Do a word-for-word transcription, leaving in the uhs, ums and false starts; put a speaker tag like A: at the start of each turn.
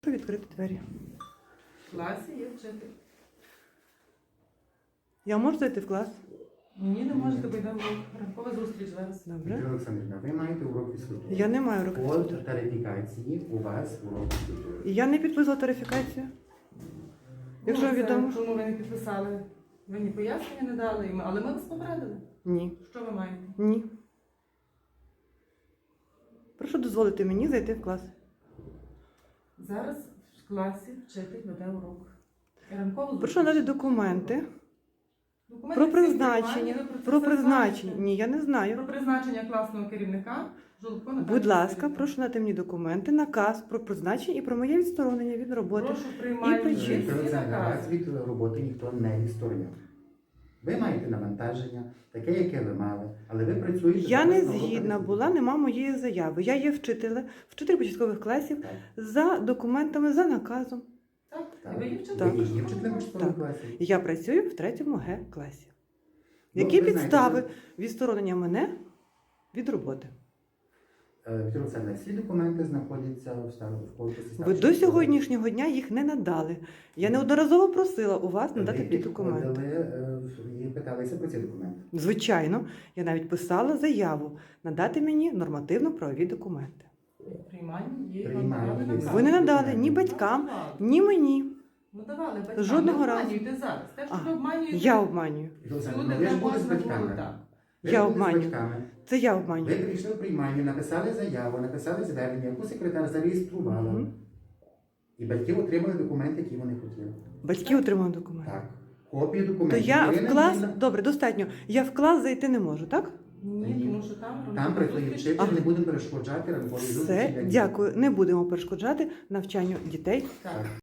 A: Відкрити двері.
B: В класі є вчитель.
A: Я можу зайти в клас?
B: Ні, не можете, бо йдемо ранкова зустріч зараз.
A: Добре.
C: Віктор Олександрівна, ви маєте урок фізкультури.
A: Я не маю уроку
C: По
A: фізкультури.
C: тарифікації у вас урок фізкультури.
A: І я не підписала тарифікацію. Якщо
B: Ну, це
A: відомо.
B: Чому ви не підписали? Ви ні пояснення не дали, і ми- але ми вас попередили.
A: Ні.
B: Що ви маєте?
A: Ні. Прошу дозволити мені зайти в клас.
B: Зараз в класі вчитель веде урок. І ранкову зустріч.
A: Прошу надати документи
B: Документи
A: про
B: всі
A: призначення.
B: приймальні, ви це
A: Про
B: все
A: призначення.
B: знаєте.
A: Ні, я не
B: Про
A: знаю.
B: призначення класного керівника Жолобко Наталії
A: Будь ласка,
B: Василівни.
A: прошу надати мені документи, наказ про призначення і про моє відсторонення від роботи.
B: Прошу приймальні
A: причини.
C: Віктор
B: всі
C: Олександрівна, вас
B: накази.
C: від роботи ніхто не відсторонює. Ви маєте навантаження, таке, яке ви мали, але ви працюєте...
A: Я не
C: зараз на уроках
A: згідна
C: фізкультури.
A: була, нема моєї заяви. Я є вчителем, вчитель початкових класів
C: Так.
A: за документами, за наказом.
B: Так,
C: Так.
B: і ви є вчитель.
A: Так.
C: Ви є вчителем початкових
A: Так.
C: класів.
A: Я працюю в третьому Г класі.
C: Ну,
A: Які
C: ви знаєте,
A: підстави
C: ви-
A: відсторонення мене від роботи?
C: Е, Віктор Олександрович, всі документи знаходяться в старому в корпусі.
A: Ви
C: старшої
A: до
C: школи.
A: сьогоднішнього дня їх не надали. Я неодноразово просила у вас надати
C: Ви
A: ті документи.
C: підходили, е, і питалися про ці документи.
A: Звичайно, я навіть писала заяву надати мені нормативно-правові документи.
B: Приймальні є.
C: Приймальні
B: вам
C: є.
B: давали наказ.
A: Ви не надали ні батькам,
B: Давали.
A: ні мені.
B: Ну давали батькам.
A: Жодного
B: не
A: разу.
B: обманюйте зараз. Те, що
A: А,
B: ви обманюєте.
A: Я обманюю.
C: Віктор Олександрович,
B: Люди,
C: ну, ви
B: де
C: ж були з
B: можна було,
C: батьками.
B: так.
C: Ви
A: Я
C: були з
A: обманюю.
C: батьками.
A: Це я
C: Ви
A: обманюю.
C: прийшли в приймальню, написали заяву, написали звернення, яку секретар зареєструвала.
A: Мгм.
C: І батьки отримали документи, які вони хотіли.
A: Батьки отримали документи.
C: Так. Копії
A: То
C: документів.
A: я
C: Ірина
A: в клас,
C: Юріївна,
A: добре, достатньо. Я в клас зайти не можу, так?
B: Ні, тому що там...
C: Там працює
B: зустріч.
C: вчитель,
A: А.
C: не будемо перешкоджати ранковій зустрічі.
A: Все,
C: для дітей.
A: дякую. Не будемо перешкоджати навчанню дітей.
B: Так.
C: Так.